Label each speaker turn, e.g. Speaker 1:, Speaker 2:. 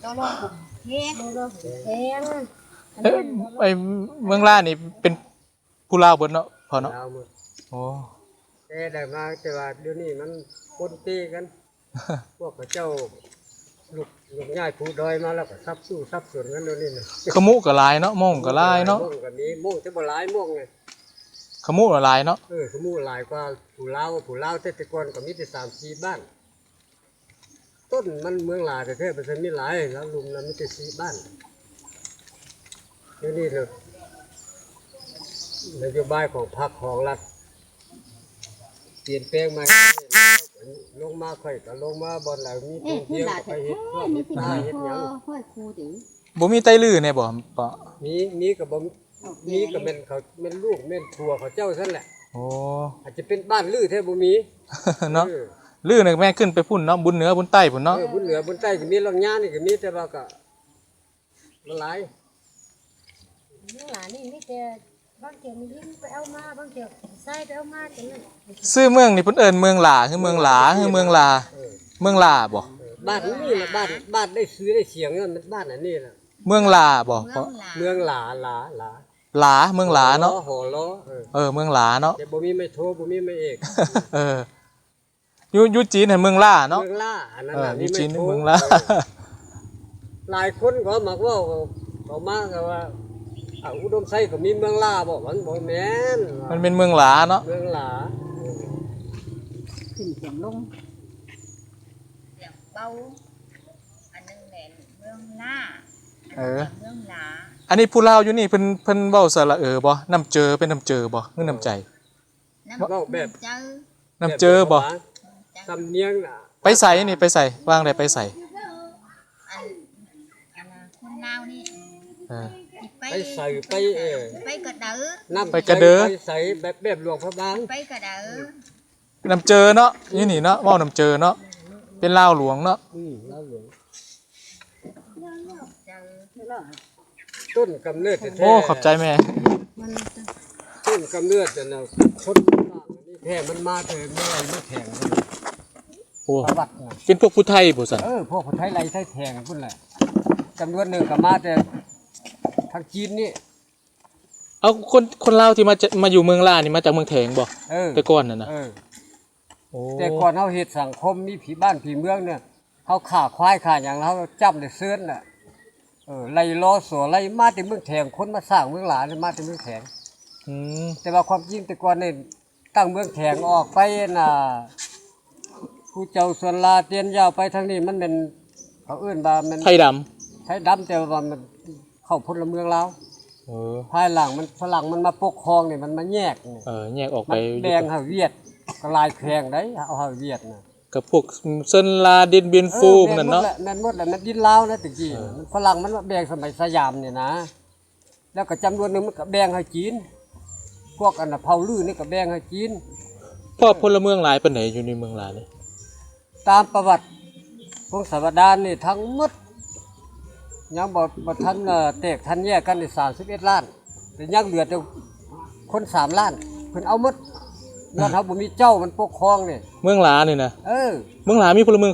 Speaker 1: ตัวโลกเฮ็ดโลกแพง
Speaker 2: ไอ้เมืองล่านี่เป็นผู้ลาวเบิดเนาะพอเนาะ
Speaker 3: ลาวหมด
Speaker 2: โอ้
Speaker 3: แต่ได้มาแต่ว่าเดี๋ยวนี้มันปนตีกัน พวกเจ้าลูกย่ายผู้ดอยมาแล้วก็ซับสู้ซับสวนกันเดี๋ยวนี้นะ
Speaker 2: ขมุก็หลายเนาะม่งก็หลายเนาะ
Speaker 3: ม่วงก็มีม่วงจะบ่หลายม่วงไง
Speaker 2: ขมุก็หลายเนาะ
Speaker 3: ขมูหลายกว่าผู้ลาวแต่ก่อนก็มีแต่3-4บ้าน ต้นมันเมืองลาวแต่แท้มันมีหลายแล้วลุมนั้นมีแต่4บ้านเดี๋ยวนี้เนี่ยนโยบายของพรรคของรัฐเปลี่ยนแปลงมาลงมาค่อยก็ลงมาบ่อนแล้วมีท่องเที่ยวก็ไปเฮ็ดเพื่อเฮ็ดนาเฮ็ดหยัง
Speaker 1: ค่อยครูดิ
Speaker 2: บ่มีไตลือแน่บ่ปะ
Speaker 3: มีก็บ่มีก็แม่นเขาแม่นลูกแม่นผัวเขาเจ้าซั่นแหละ
Speaker 2: โอ้
Speaker 3: อาจจะเป็นบ้านลือแท้บ่มี
Speaker 2: เนาะลือนี่แม่ขึ้นไปพุ่นเนาะบุญเหนือบุญใต้พุ่นเนาะ
Speaker 3: บุญเหนือบุญใต้ก็มีลังยานี่ก็มีแต่ว่าก็มันหลาย
Speaker 1: เมื่อหลานนี่มีแต่บางเกี่ยวมีลิ้นไปเอามาบางเกี่ยวใส่ไปเอามาจังนั้น
Speaker 2: ชื่อเมืองนี่เพิ่นเอิ้นเมืองหลาคือเมืองหลาคือเมืองลาเมืองลาบ่
Speaker 3: บ้านนี่แหละบ้านได้ซื้อได้เสียงนั่นมันบ้านอันนี้แหละ
Speaker 2: เมืองลาบ่เพราะ
Speaker 3: เมืองหลา
Speaker 2: หลาเมืองหลาเนาะ
Speaker 3: หอล้อ
Speaker 2: เมืองหลาเนาะ
Speaker 3: แต่บ่มีไม่โทรบ่มีไม่เอก
Speaker 2: เอออยู่จีนเห็นเมืองล่าเนาะ
Speaker 3: เมืองล่าอันนั้น
Speaker 2: อยู่
Speaker 3: มี
Speaker 2: จี
Speaker 3: ไม่
Speaker 2: น
Speaker 3: โทร
Speaker 2: เมืองล่า
Speaker 3: หลายคนก็มักว่าเขามาก็ว่าอุดมไซก็มีเมืองล่าบ่มันบ่แม่น
Speaker 2: มันเป็นเมืองหลาเนาะ
Speaker 3: เมืองหลา
Speaker 1: ขึ้นเสียงลง
Speaker 4: เสียงเบาอันนึงแหละเมืองล่า
Speaker 2: เออ
Speaker 4: เมืองหลา
Speaker 2: อันนี้ผู้ลาวอยู่นี่เพิ่นเว้าสระบ่น้ำเจอเป็นน้ำเจอบ่คือน้ำใจ
Speaker 4: น้ำ
Speaker 3: เว้าแบบ
Speaker 4: เจอ
Speaker 2: น้ำเจอบ่
Speaker 3: สำเนียงน่ะ
Speaker 2: ไปใส่นี่ไปใส่วางได้ไปใส่
Speaker 4: อันน่ะคนลาวนี่
Speaker 2: เออ
Speaker 3: ไปใส่ไป
Speaker 4: ไปกระเดือ
Speaker 3: น้ำ
Speaker 2: ไปกระเด้อ
Speaker 3: ไปใส่แบบหลวงพระบาง
Speaker 4: ไปกระเดือ
Speaker 2: น้ำเจอเนาะอยู่นี่เนาะเว้าน้ำเจอเนาะเป็นลาวหลวงเนาะ
Speaker 3: ลาวหลวง
Speaker 4: เจอ
Speaker 3: ต้นกำเนิดแท้ๆ
Speaker 2: โอ้ขอบใจแม่
Speaker 3: ต้นกำเนิดน่ะคนต่างนี่แท้มันมาแต่เมื่อไหร่ไม่แข็ง
Speaker 2: โอ้
Speaker 3: ประวัติน่ะ
Speaker 2: เป็นพวกผู้ไทยบ่ซั่น
Speaker 3: พวกคนไทยไรไทยแทงพุ่นแหละจำนวนหนึ่งก็มาแต่ทางจีนนี่
Speaker 2: เอาคนลาวที่มาอยู่เมืองล่านี่มาจากเมืองแถงบ่แต่ก่อนน่ะนะโอ้
Speaker 3: แต่ก่อนเขาเฮ็ดสังคมมีผีบ้านผีเมืองเนี่ยเขาฆ่าควายฆ่าอย่างเขาจับได้เสื้อนน่ะไล่ล้อสัวไล่มาแต่เมืองแถงคนมาสร้างเมืองหลาเนี่ยมาแต่เมืองแถง
Speaker 2: อืม
Speaker 3: แต่ว่าความจริงแต่ก่อนนี่ตั้งเมืองแถงออกไปน่ะผู้เจ้าส่วนลาเตียนยาวไปทางนี้มันเป็นเขาเอื้นว่ามัน
Speaker 2: ไทยดำ
Speaker 3: ใช้ดำแต่ว่ามันเข้าพลเมืองลาว
Speaker 2: เออ
Speaker 3: ภายหลังมันฝรั่งมันมาปกครองนี่มันมาแยกนี่
Speaker 2: แยกออก
Speaker 3: มั
Speaker 2: ไป
Speaker 3: นแบ่งให้เวียดก็ลายแพงได้เอาให้เวียดน่ะ
Speaker 2: กับพวกเซินลาดินเบียนฟูมนั่นเนาะ
Speaker 3: แม่นหมดแหละมันดินลาวนะตะกี้มันฝรั่งมันมาแบ่งสมัยสยามเนี่ยนะ แล้วก็จำนวนหนึงมันก็แบ่งให้จีน พวกอันน่ะเผาลือนี่ก็แบ่งให้จีน
Speaker 2: พ่อพลเมืองหลายปานไหนอยู่ในเมืองลานี่
Speaker 3: ตามประวัติพงศาวดารนี่ทั้งหมดยังบ่ทันแตกทันแยกกันนี่31ล้านแต่ยังเหลือแต่คน3ล้านเพิ่นเอาหมดย้อนเฮาบ่มีเจ้ามันปกครองนี่
Speaker 2: เมืองลานี่นะ
Speaker 3: เออ
Speaker 2: เมืองลามีพลเมือง